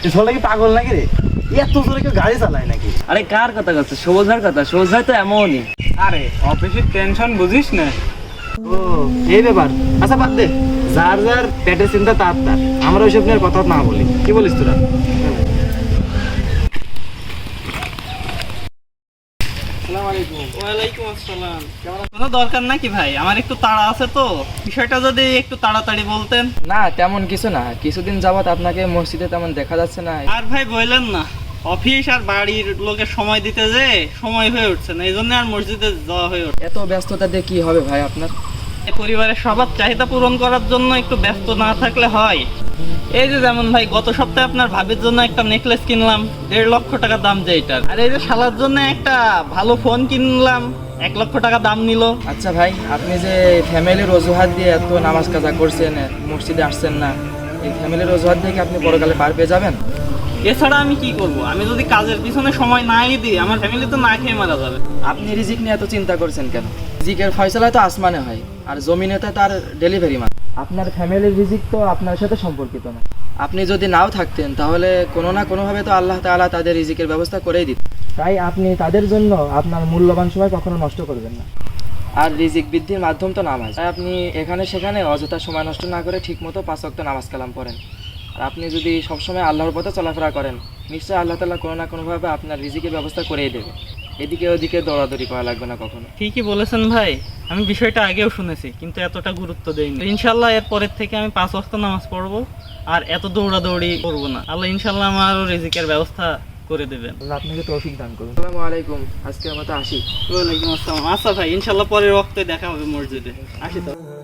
ছোলা কি পাগল নাকি রে? এত জোরে কেউ গাড়ি চালায় নাকি? আরে কার কথা করছে? সবুজ ভাইয়ের কথা। সবুজ ভাই তো এমনই। আরে অফিসের টেনশন বুঝিস না। ও এই ব্যাপার। আচ্ছা বাদ দে, যার যার পেটের চিন্তা তার তার, আমরা ওইসব নিয়ে কথা না বলি। কি বলিস তোরা? ওয়ালাইকুম আসসালাম। কোনো দরকার নাকি ভাই? আমার একটু তাড়া আছে তো, বিষয়টা যদি একটু তাড়াতাড়ি বলতেন। না তেমন কিছু না, কিছুদিন যাবত আপনাকে মসজিদে তেমন দেখা যাচ্ছে না। আর ভাই বললেন না, অফিস আর বাড়ির লোকে সময় দিতে যে সময় হয়ে উঠছে না, এই জন্য আর মসজিদে যাওয়া হয়ে উঠছে। এত ব্যস্ততা দিয়ে কি হবে ভাই আপনার? পরিবারের সবার চাহিদা পূরণ করার জন্য একটু ব্যস্ত না থাকলে হয়? এই যে যেমন ভাই গত সপ্তাহে আপনার ভাবির জন্য একটা নেকলেস কিনলাম 1.5 লক্ষ টাকা দাম যেটার, আর এই যে শালার জন্য একটা ভালো ফোন কিনলাম 1 লক্ষ টাকা দাম নিল। আচ্ছা ভাই, আপনি যে ফ্যামিলির অজুহাত দিয়ে এত নামাজ কাজা করছেন, মসজিদে আসছেন না, এই ফ্যামিলির অজুহাত দিয়ে কি আপনি পরকালে পার পেয়ে যাবেন? এছাড়া আমি কি করব? আমি যদি কাজের পিছনে সময় নাই দিই, আমার ফ্যামিলি তো না খেয়ে মারা যাবে। আপনি রিজিক নিয়ে এত চিন্তা করছেন কেন? রিজিকের ফয়সালা তো আসমানে হয়, আর জমিনে তো তার ডেলিভারি মান। আপনার ফ্যামিলির রিজিক তো আপনার সাথে সম্পর্কিত না। আপনি যদি নাও থাকতেন তাহলে কোনো না কোনোভাবে তো আল্লাহ তাআলা তাদের রিজিকের ব্যবস্থা করেই দিত। তাই আপনি তাদের জন্য আপনার মূল্যবান সময় কখনো নষ্ট করবেন না। আর রিজিক বৃদ্ধির মাধ্যম তো নামাজ, তাই আপনি এখানে সেখানে অযথা সময় নষ্ট না করে ঠিকমতো 5 ওয়াক্ত নামাজ কালাম পড়েন। আর আপনি যদি সবসময় আল্লাহর পথে চলাফেরা করেন, নিশ্চয়ই আল্লাহ তাআলা কোনো না কোনোভাবে আপনার রিজিকের ব্যবস্থা করেই দেবে। এদিকে ওদিকে দৌড়াদৌড়ি করা লাগবে না কখনো। ঠিকই বলেছেন ভাই, আমি বিষয়টা আগেও শুনেছি কিন্তু এতটা গুরুত্ব দেইনি। ইনশাল্লাহ এর পরের থেকে আমি 5 ওয়াক্ত নামাজ পড়বো আর এত দৌড়াদৌড়ি করবো না। আল্লাহ ইনশাল্লাহ আমারও রিজিকের ব্যবস্থা করে দেবেন। আল্লাহ আপনাকে তৌফিক দান করুন। আসসালামু আলাইকুম, আজকের মতো আসি। ওয়ালাইকুম আসসালাম। আচ্ছা ভাই, ইনশাল্লাহ পরের ওয়াক্তে দেখা হবে মসজিদে। আসি তো।